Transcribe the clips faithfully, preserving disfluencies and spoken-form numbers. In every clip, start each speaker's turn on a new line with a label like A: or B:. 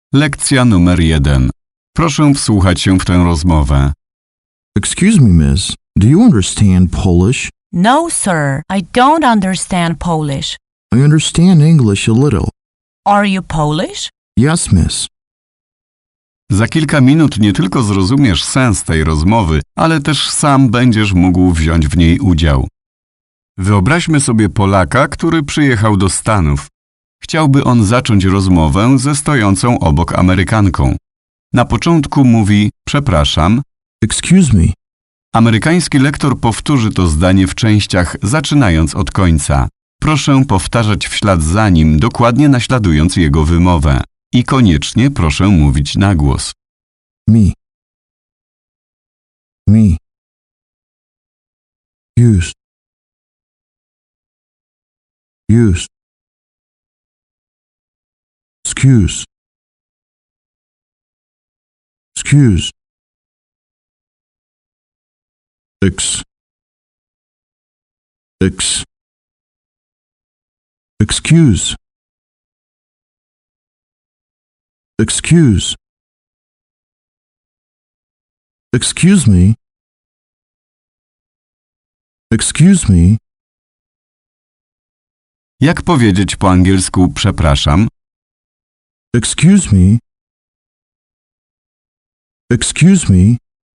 A: Lekcja numer jeden. Proszę wsłuchać się w tę rozmowę.
B: Excuse me, miss. Do you understand Polish?
C: No, sir, I don't understand Polish.
B: I understand English a little.
C: Are you Polish?
B: Yes, miss.
A: Za kilka minut nie tylko zrozumiesz sens tej rozmowy, ale też sam będziesz mógł wziąć w niej udział. Wyobraźmy sobie Polaka, który przyjechał do Stanów. Chciałby on zacząć rozmowę ze stojącą obok Amerykanką. Na początku mówi przepraszam.
B: Excuse me.
A: Amerykański lektor powtórzy to zdanie w częściach, zaczynając od końca. Proszę powtarzać w ślad za nim, dokładnie naśladując jego wymowę. I koniecznie proszę mówić na głos.
B: Me. Me. Use. Use. Excuse. Excuse. Ex. Ex. Excuse. Excuse. Excuse me. Excuse me.
A: Jak powiedzieć po angielsku przepraszam?
B: Excuse me. Excuse me.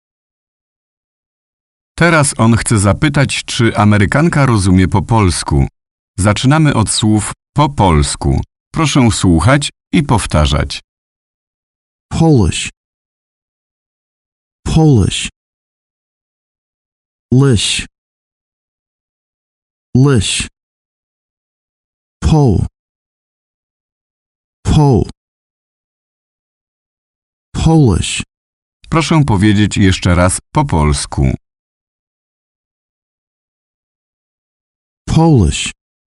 A: Teraz on chce zapytać, czy Amerykanka rozumie po polsku. Zaczynamy od słów po polsku. Proszę słuchać i powtarzać.
B: Polish. Polish. Lish. Lish. Pole. Pole. Polish.
A: Proszę powiedzieć jeszcze raz po polsku.
B: Polish.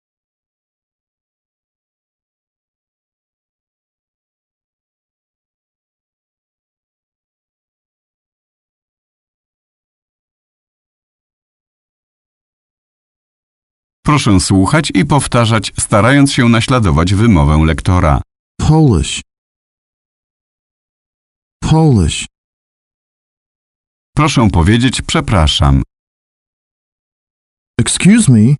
A: Proszę słuchać i powtarzać, starając się naśladować wymowę lektora.
B: Polish. Polish.
A: Proszę powiedzieć przepraszam.
B: Excuse me.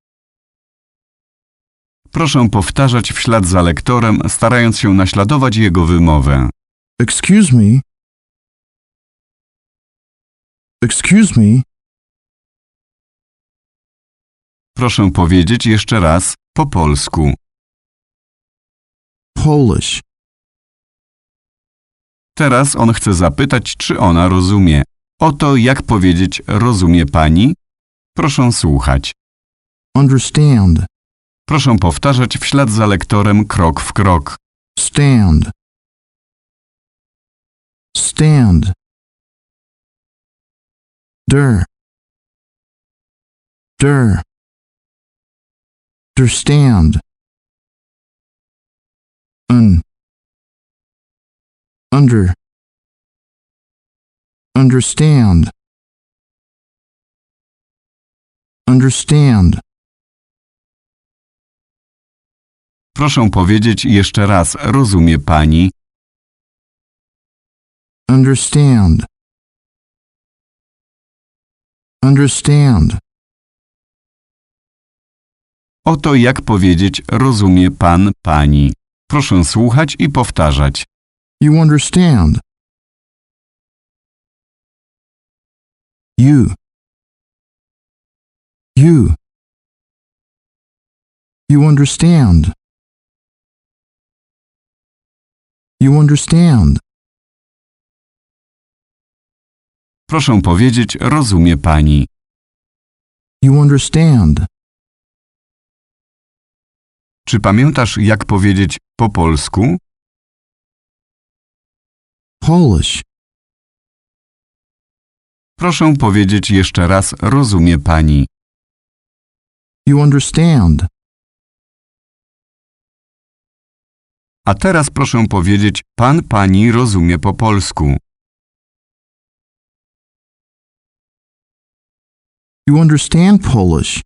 A: Proszę powtarzać w ślad za lektorem, starając się naśladować jego wymowę.
B: Excuse me. Excuse me.
A: Proszę powiedzieć jeszcze raz po polsku.
B: Polish.
A: Teraz on chce zapytać, czy ona rozumie. Oto jak powiedzieć rozumie pani? Proszę słuchać.
B: Understand.
A: Proszę powtarzać w ślad za lektorem krok w krok.
B: Stand. Stand. Der. Der. Understand. Un. Under. Understand. Understand.
A: Proszę powiedzieć jeszcze raz rozumie pani?
B: Understand. Understand.
A: Oto jak powiedzieć rozumie pan pani. Proszę słuchać i powtarzać.
B: You understand. You. You. You understand. You understand.
A: Proszę powiedzieć rozumie pani.
B: You understand.
A: Czy pamiętasz jak powiedzieć po polsku?
B: Polish.
A: Proszę powiedzieć jeszcze raz rozumie pani.
B: You understand.
A: A teraz proszę powiedzieć pan pani rozumie po polsku.
B: You understand Polish.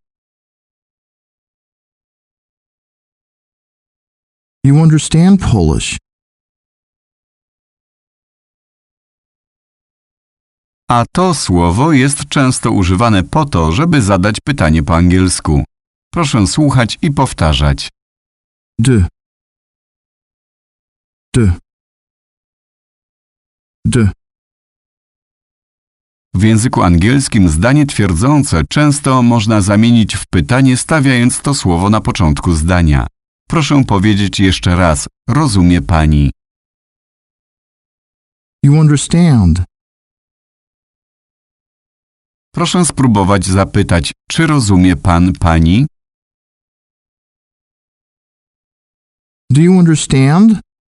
B: You understand Polish.
A: a to słowo jest często używane po to, żeby zadać pytanie po angielsku. Proszę słuchać i powtarzać.
B: D. D. D.
A: W języku angielskim zdanie twierdzące często można zamienić w pytanie, stawiając to słowo na początku zdania. Proszę powiedzieć jeszcze raz. Rozumie pani.
B: You understand?
A: Proszę spróbować zapytać, czy rozumie pan pani?
B: Do you understand?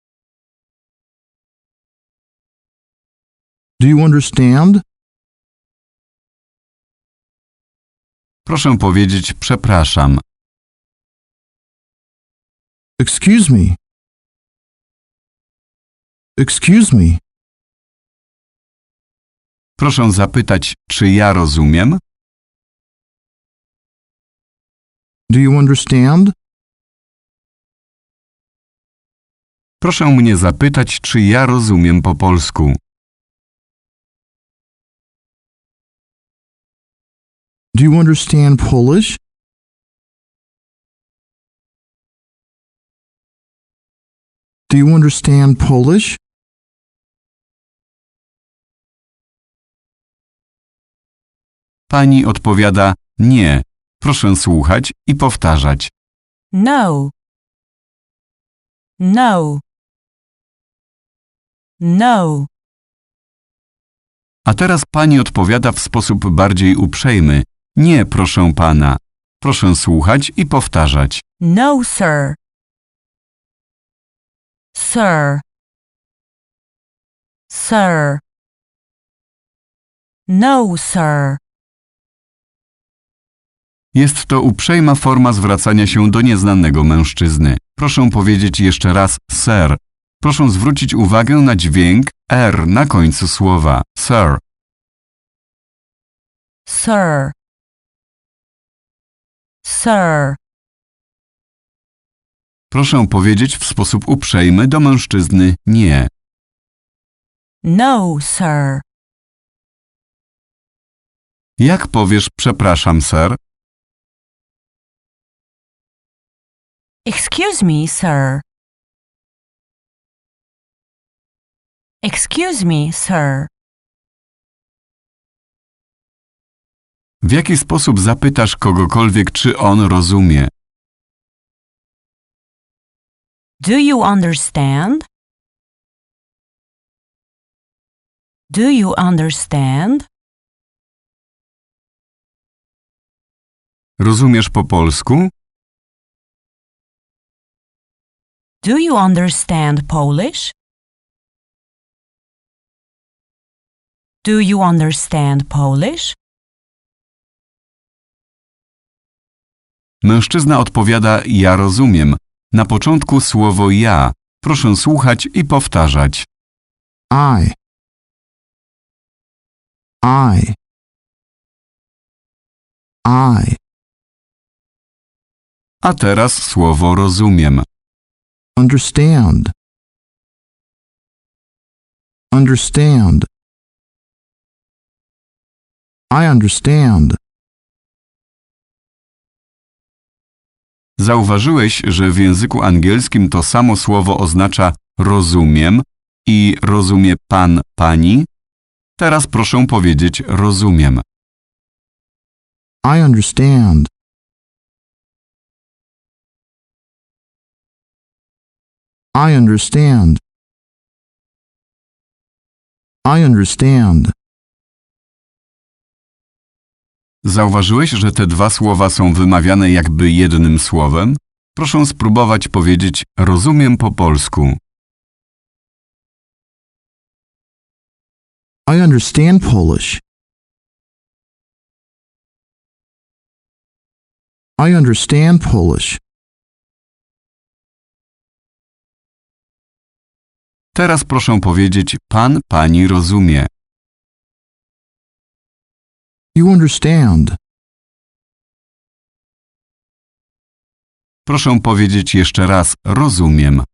B: Do you understand?
A: Proszę powiedzieć przepraszam.
B: Excuse me. Excuse me.
A: Proszę zapytać, czy ja rozumiem?
B: Do you understand?
A: Proszę mnie zapytać, czy ja rozumiem po polsku.
B: Do you understand Polish? Do you understand Polish?
A: Pani odpowiada nie. Proszę słuchać i powtarzać.
C: No. No. No.
A: A teraz pani odpowiada w sposób bardziej uprzejmy. Nie, proszę pana. Proszę słuchać i powtarzać.
C: No, sir. Sir. Sir. No, sir.
A: Jest to uprzejma forma zwracania się do nieznanego mężczyzny. Proszę powiedzieć jeszcze raz sir. Proszę zwrócić uwagę na dźwięk R na końcu słowa. Sir.
C: Sir. Sir.
A: Proszę powiedzieć w sposób uprzejmy do mężczyzny nie.
C: No, sir.
A: Jak powiesz przepraszam, sir?
C: Excuse me, sir. Excuse me, sir.
A: W jaki sposób zapytasz kogokolwiek, czy on rozumie?
C: Do you understand? Do you understand?
A: Rozumiesz po polsku?
C: Do you understand Polish? Do you understand Polish?
A: Mężczyzna odpowiada ja rozumiem. Na początku słowo ja. Proszę słuchać i powtarzać.
B: I. I. I.
A: A teraz słowo rozumiem.
B: Understand. Understand. I understand.
A: Zauważyłeś, że w języku angielskim to samo słowo oznacza rozumiem i rozumie pan, pani? Teraz proszę powiedzieć rozumiem.
B: I understand. I understand. I understand.
A: Zauważyłeś, że te dwa słowa są wymawiane jakby jednym słowem? Proszę spróbować powiedzieć rozumiem po polsku.
B: I understand Polish. I understand Polish.
A: Teraz proszę powiedzieć pan, pani rozumie.
B: You understand.
A: Proszę powiedzieć jeszcze raz rozumiem.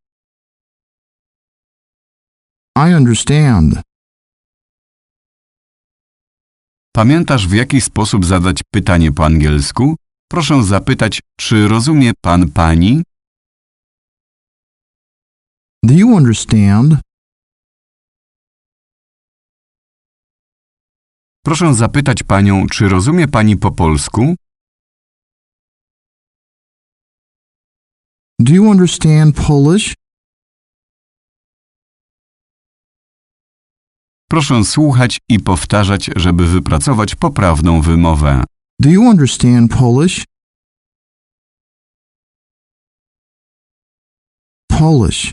B: I understand.
A: Pamiętasz, w jaki sposób zadać pytanie po angielsku? Proszę zapytać, czy rozumie pan pani?
B: Do you understand?
A: Proszę zapytać panią, czy rozumie pani po polsku?
B: Do you understand Polish?
A: Proszę słuchać i powtarzać, żeby wypracować poprawną wymowę.
B: Do you understand Polish? Polish.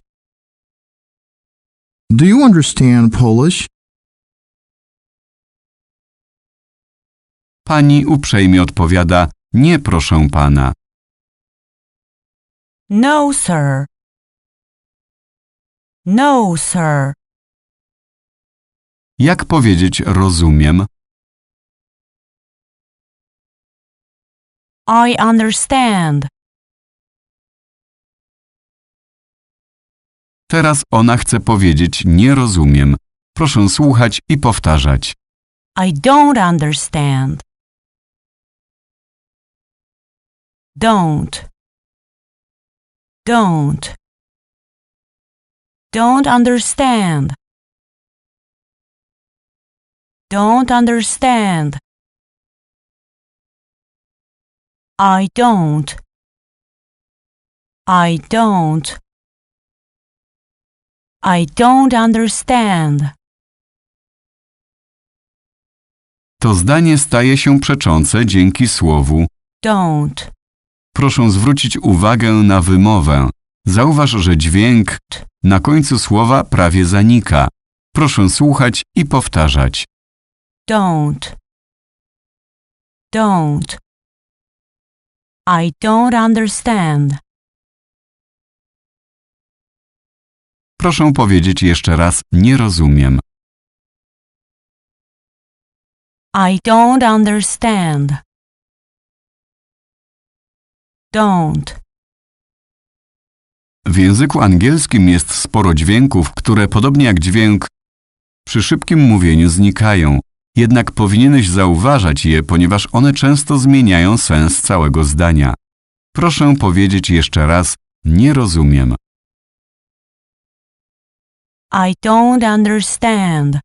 B: Do you understand Polish?
A: Pani uprzejmie odpowiada, nie proszę pana.
C: No, sir. No, sir.
A: Jak powiedzieć rozumiem?
C: I understand.
A: Teraz ona chce powiedzieć nie rozumiem. Proszę słuchać i powtarzać.
C: I don't understand. Don't. Don't. Don't understand. Don't understand. I don't. I don't. I don't understand.
A: To zdanie staje się przeczące dzięki słowu.
C: Don't.
A: Proszę zwrócić uwagę na wymowę. Zauważ, że dźwięk t na końcu słowa prawie zanika. Proszę słuchać i powtarzać.
C: Don't. Don't. I don't understand.
A: Proszę powiedzieć jeszcze raz nie rozumiem.
C: I don't understand. Don't.
A: W języku angielskim jest sporo dźwięków, które podobnie jak dźwięk przy szybkim mówieniu znikają. Jednak powinieneś zauważać je, ponieważ one często zmieniają sens całego zdania. Proszę powiedzieć jeszcze raz nie rozumiem.
C: I don't understand.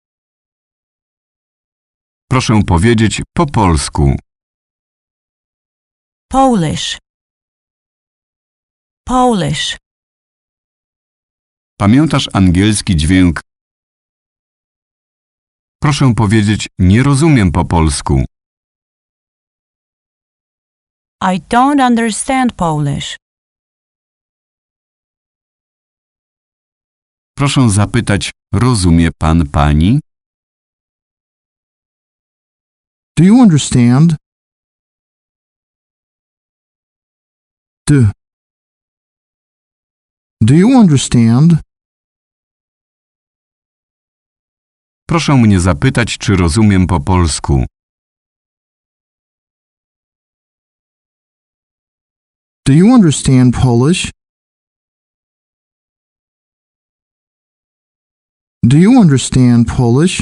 A: Proszę powiedzieć po polsku.
C: Polish. Polish.
A: Pamiętasz angielski dźwięk? Proszę powiedzieć nie rozumiem po polsku.
C: I don't understand Polish.
A: Proszę zapytać, rozumie pan pani?
B: Do you understand? Do. Do you understand?
A: Proszę mnie zapytać, czy rozumiem po polsku.
B: Do you understand Polish? Do you understand Polish?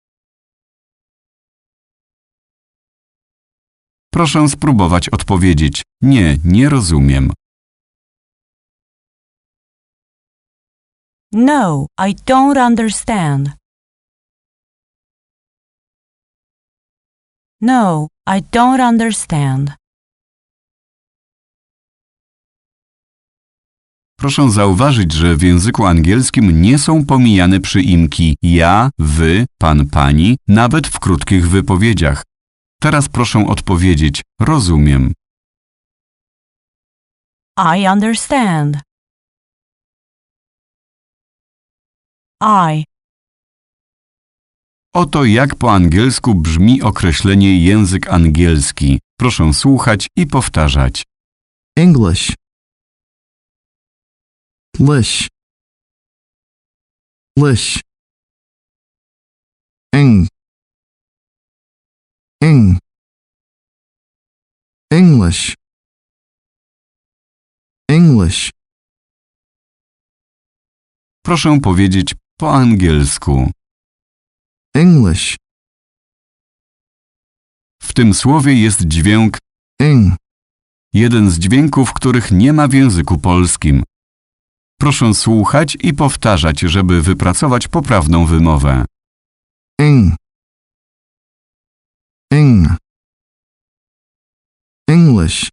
A: Proszę spróbować odpowiedzieć. Nie, nie rozumiem.
C: No, I don't understand. No, I don't understand.
A: Proszę zauważyć, że w języku angielskim nie są pomijane przyimki ja, wy, pan, pani, nawet w krótkich wypowiedziach. Teraz proszę odpowiedzieć, rozumiem.
C: I understand. I.
A: Oto jak po angielsku brzmi określenie język angielski. Proszę słuchać i powtarzać.
B: English. Lish. Lish. Eng. Eng. English. English.
A: Proszę powiedzieć po angielsku.
B: English.
A: W tym słowie jest dźwięk,
B: ing,
A: jeden z dźwięków, których nie ma w języku polskim. Proszę słuchać i powtarzać, żeby wypracować poprawną wymowę.
B: ing, ing, English,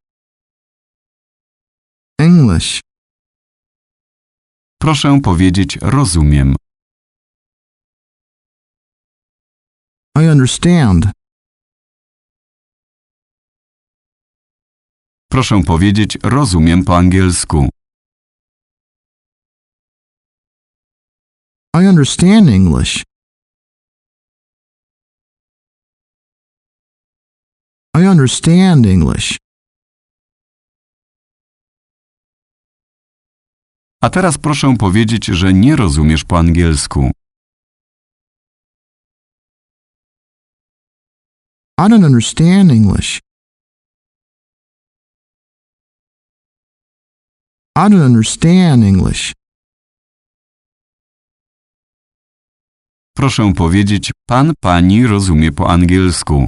B: English,
A: Proszę powiedzieć rozumiem.
B: I understand.
A: Proszę powiedzieć rozumiem po angielsku.
B: I understand English. I understand English.
A: A teraz proszę powiedzieć, że nie rozumiesz po angielsku.
B: I don't understand English. I don't understand English.
A: Proszę powiedzieć pan, pani rozumie po angielsku.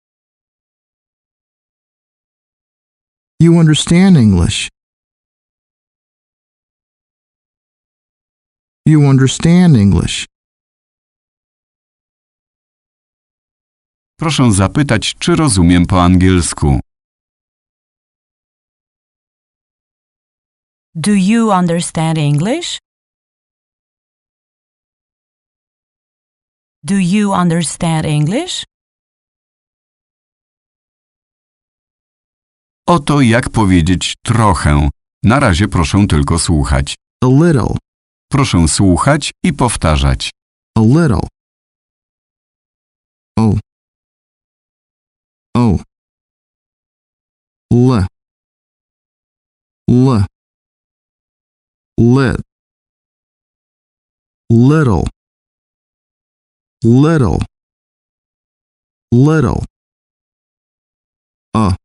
B: You understand English. You understand English.
A: Proszę zapytać, czy rozumiem po angielsku.
C: Do you understand English? Do you understand English?
A: Oto jak powiedzieć trochę. Na razie proszę tylko słuchać.
B: A little.
A: Proszę słuchać i powtarzać.
B: A little. Oh. Oh. L. L. Lit. Little. Little. Little. A.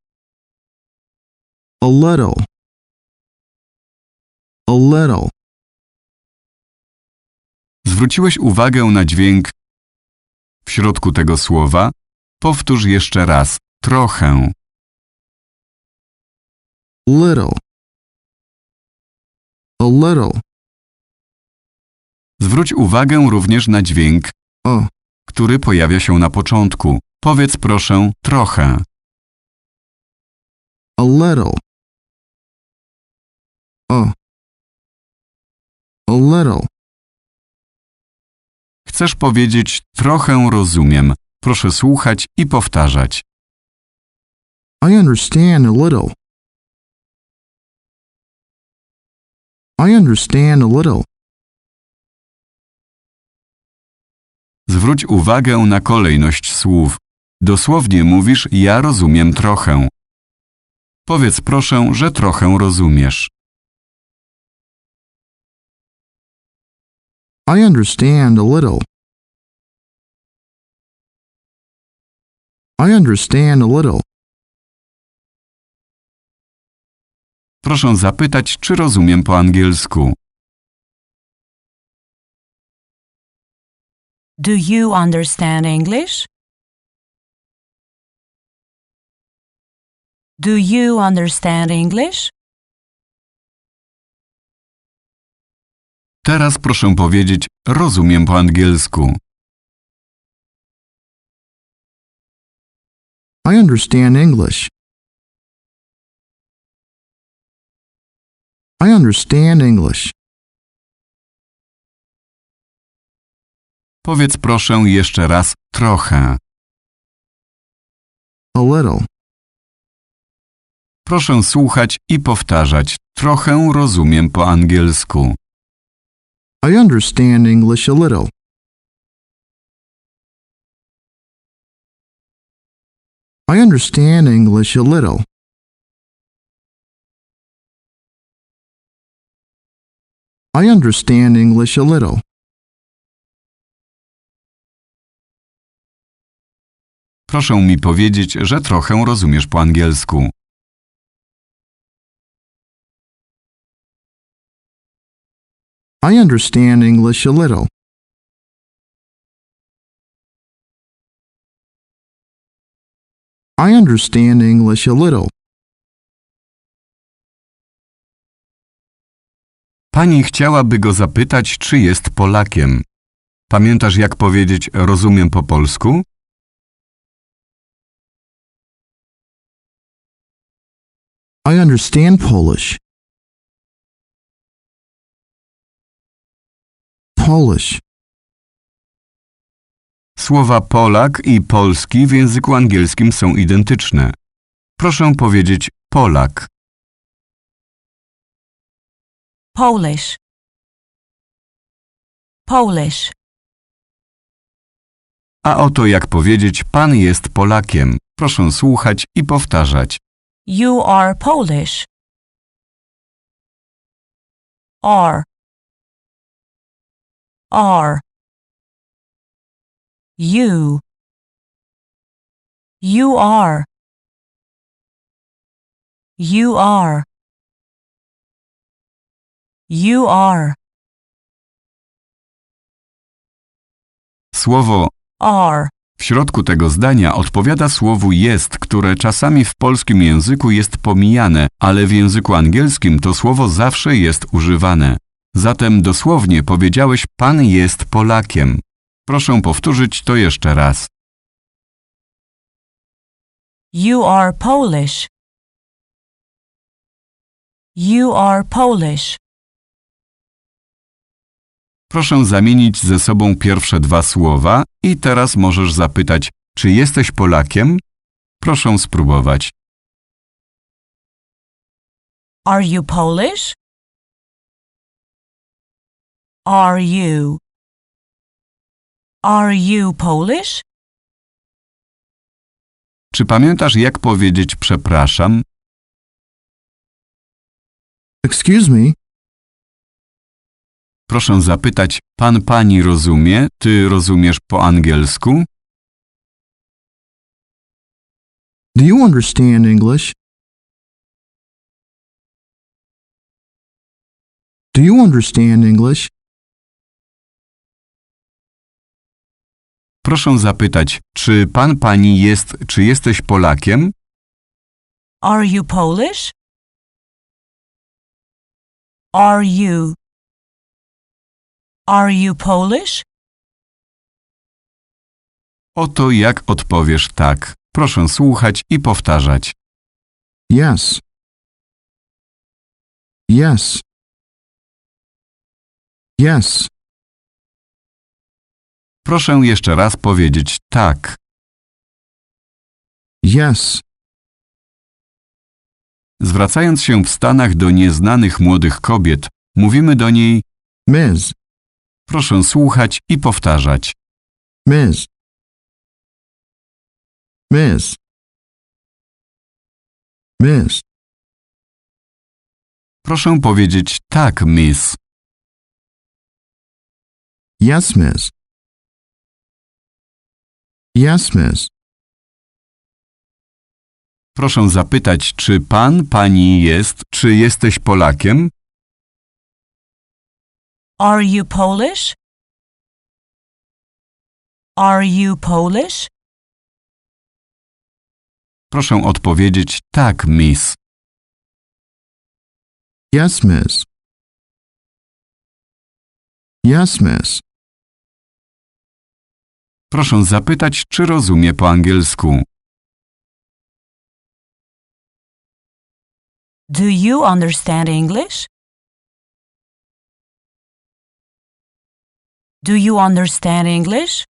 B: A little. A little.
A: Zwróciłeś uwagę na dźwięk w środku tego słowa? Powtórz jeszcze raz. Trochę.
B: Little. A little.
A: Zwróć uwagę również na dźwięk,
B: A.
A: który pojawia się na początku. Powiedz proszę trochę.
B: A little. A. A little.
A: Chcesz powiedzieć trochę rozumiem. Proszę słuchać i powtarzać.
B: I understand a little. I understand a little.
A: Zwróć uwagę na kolejność słów. Dosłownie mówisz ja rozumiem trochę. Powiedz proszę, że trochę rozumiesz.
B: I understand a little. I understand a little.
A: Proszę zapytać, czy rozumiem po angielsku.
C: Do you understand English? Do you understand English?
A: Teraz proszę powiedzieć rozumiem po angielsku.
B: I understand English. I understand English.
A: Powiedz proszę jeszcze raz trochę.
B: A little.
A: Proszę słuchać i powtarzać. Trochę rozumiem po angielsku.
B: I understand English a little. I understand English a little. I understand English a little.
A: Proszę mi powiedzieć, że trochę rozumiesz po angielsku.
B: I understand English a little. I understand English a little.
A: Pani chciałaby go zapytać, czy jest Polakiem. Pamiętasz, jak powiedzieć rozumiem po polsku?
B: I understand Polish. Polish.
A: Słowa Polak i polski w języku angielskim są identyczne. Proszę powiedzieć Polak.
C: Polish. Polish.
A: A oto jak powiedzieć pan jest Polakiem. Proszę słuchać i powtarzać.
C: You are Polish. Are. Are. You. You are. You are. You are.
A: Słowo
C: Are.
A: w środku tego zdania odpowiada słowu jest, które czasami w polskim języku jest pomijane, ale w języku angielskim to słowo zawsze jest używane. Zatem dosłownie powiedziałeś pan jest Polakiem. Proszę powtórzyć to jeszcze raz.
C: You are Polish. You are Polish.
A: Proszę zamienić ze sobą pierwsze dwa słowa i teraz możesz zapytać, czy jesteś Polakiem? Proszę spróbować.
C: Are you Polish? Are you? Are you Polish?
A: Czy pamiętasz, jak powiedzieć przepraszam?
B: Excuse me.
A: Proszę zapytać, pan pani rozumie, ty rozumiesz po angielsku?
B: Do you understand English? Do you understand English?
A: Proszę zapytać, czy pan pani jest, czy jesteś Polakiem?
C: Are you Polish? Are you? Are you Polish?
A: Oto jak odpowiesz tak. Proszę słuchać i powtarzać.
B: Yes. Yes. Yes.
A: Proszę jeszcze raz powiedzieć tak.
B: Yes.
A: Zwracając się w Stanach do nieznanych młodych kobiet, mówimy do niej
B: Miz.
A: proszę słuchać i powtarzać.
B: Miz. Miz. Miz.
A: Proszę powiedzieć tak, miss.
B: Yes, miss. Yes, miss.
A: Proszę zapytać, czy pan, pani jest, czy jesteś Polakiem?
C: Are you Polish? Are you Polish?
A: Proszę odpowiedzieć tak, miss.
B: Yes, miss. Yes, miss.
A: Proszę zapytać, czy rozumie po angielsku.
C: Do you understand English? Do you understand English?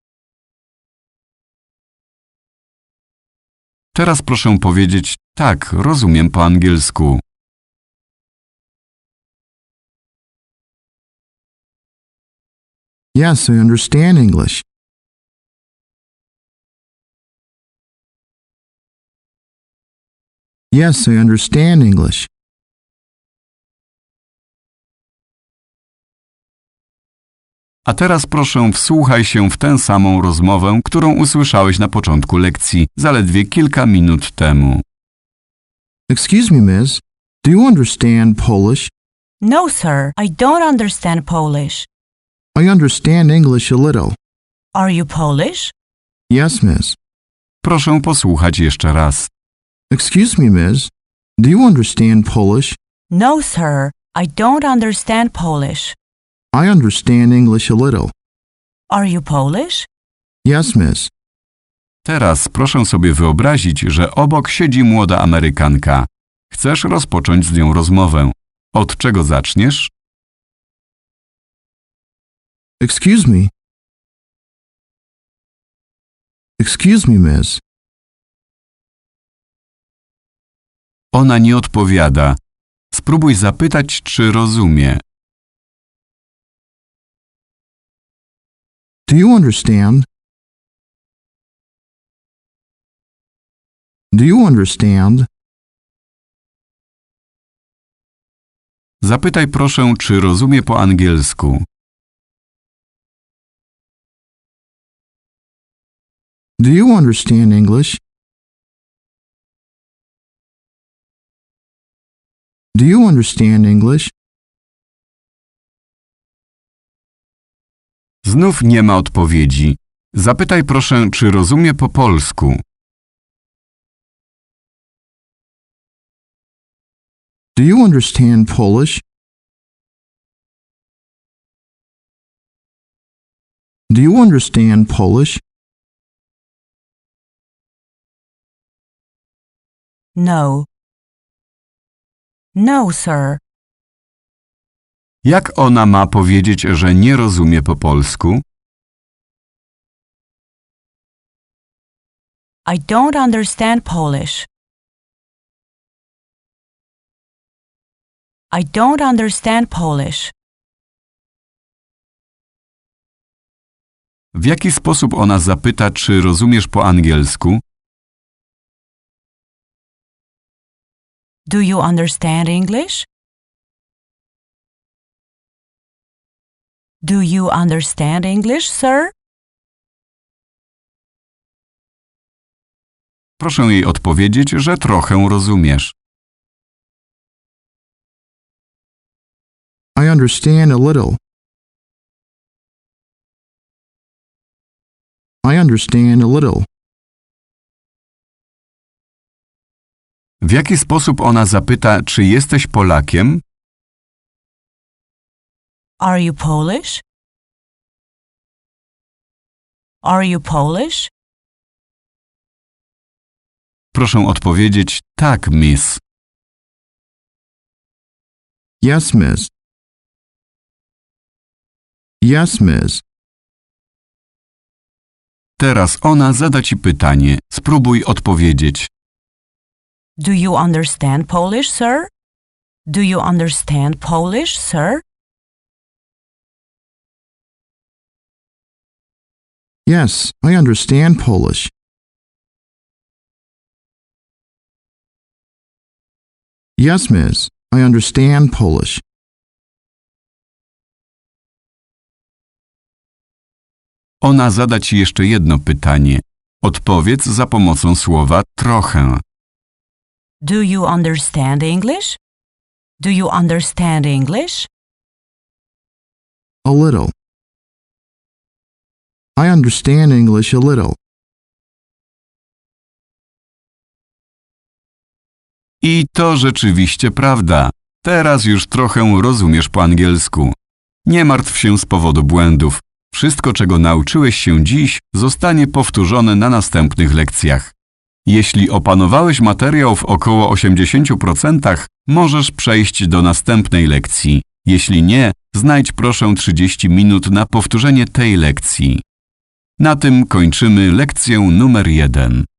A: Teraz proszę powiedzieć tak, rozumiem po angielsku.
B: Yes, I understand English. Yes, I understand English.
A: A teraz proszę wsłuchaj się w tę samą rozmowę, którą usłyszałeś na początku lekcji, zaledwie kilka minut temu.
B: Excuse me, miss. Do you understand Polish?
C: No, sir, I don't understand Polish.
B: I understand English a little.
C: Are you Polish?
B: Yes, miss.
A: Proszę posłuchać jeszcze raz.
B: Excuse me, miss. Do you understand Polish?
C: No, sir, I don't understand Polish.
B: I understand English a little.
C: Are you Polish?
B: Yes, miss.
A: Teraz proszę sobie wyobrazić, że obok siedzi młoda Amerykanka. Chcesz rozpocząć z nią rozmowę. Od czego zaczniesz?
B: Excuse me. Excuse me, miss.
A: Ona nie odpowiada. Spróbuj zapytać, czy rozumie.
B: Do you understand? Do you understand?
A: Zapytaj proszę, czy rozumie po angielsku.
B: Do you understand English? Do you understand English?
A: Znów nie ma odpowiedzi. Zapytaj proszę, czy rozumie po polsku.
B: Do you understand Polish? Do you understand Polish?
C: No. No, sir.
A: Jak ona ma powiedzieć, że nie rozumie po polsku?
C: I don't understand Polish. I don't understand Polish.
A: W jaki sposób ona zapyta, czy rozumiesz po angielsku?
C: Do you understand English? Do you understand English, sir?
A: Proszę jej odpowiedzieć, że trochę rozumiesz.
B: I understand a little. I understand a little.
A: W jaki sposób ona zapyta, czy jesteś Polakiem?
C: Are you Polish? Are you Polish?
A: Proszę odpowiedzieć, tak, miss.
B: Yes, miss. Yes, miss.
A: Teraz ona zada ci pytanie. Spróbuj odpowiedzieć.
C: Do you understand Polish, sir? Do you understand Polish, sir?
B: Yes, I understand Polish. Yes, miss. I understand Polish.
A: Ona zada ci jeszcze jedno pytanie. Odpowiedz za pomocą słowa trochę.
C: Do you understand English? Do you understand English?
B: A little. I understand English a little.
A: I to rzeczywiście prawda. Teraz już trochę rozumiesz po angielsku. Nie martw się z powodu błędów. Wszystko, czego nauczyłeś się dziś, zostanie powtórzone na następnych lekcjach. Jeśli opanowałeś materiał w około osiemdziesięciu procentach, możesz przejść do następnej lekcji. Jeśli nie, znajdź proszę trzydzieści minut na powtórzenie tej lekcji. Na tym kończymy lekcję numer jeden.